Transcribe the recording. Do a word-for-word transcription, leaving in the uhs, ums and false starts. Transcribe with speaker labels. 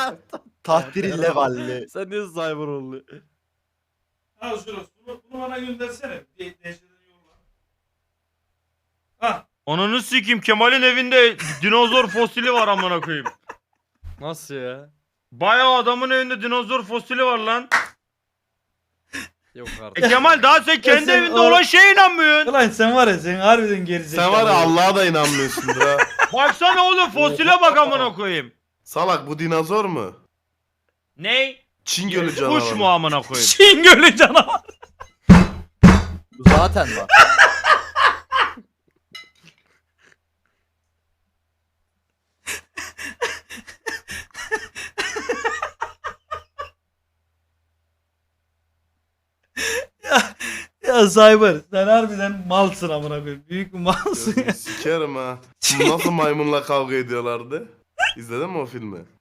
Speaker 1: Tahtiri levalli.
Speaker 2: Sen niye cyber oluyor?
Speaker 3: Al şurası. Bunu, bunu bana göndersene. De Deşeden yolla. Hah.
Speaker 4: Ananı sikeyim, Kemal'in evinde dinozor fosili var amına koyayım.
Speaker 2: Nasıl ya?
Speaker 4: Bayağı adamın evinde dinozor fosili var lan.
Speaker 2: Yok
Speaker 4: E
Speaker 2: artık.
Speaker 4: Kemal daha sen kendi
Speaker 3: sen
Speaker 4: evinde
Speaker 3: o-
Speaker 4: olan şeye inanmıyorsun.
Speaker 3: Ulan sen var ya sen harbiden gerizekalı.
Speaker 5: Sen var ya Allah'a da inanmıyorsundur ha.
Speaker 4: Baksana oğlum fosile bak amına koyayım.
Speaker 5: Salak bu dinozor mu?
Speaker 4: Ney?
Speaker 5: Çin gölü canavarı.
Speaker 4: Kuş mu amına koyayım?
Speaker 3: Çin gölü canavar.
Speaker 1: Zaten var.
Speaker 3: ya, ya Cyber sen harbiden malsın amına koyayım. Büyük bir malsın ya.
Speaker 5: Sikerim ha. Nasıl maymunla kavga ediyorlardı? İzledin mi o filmi?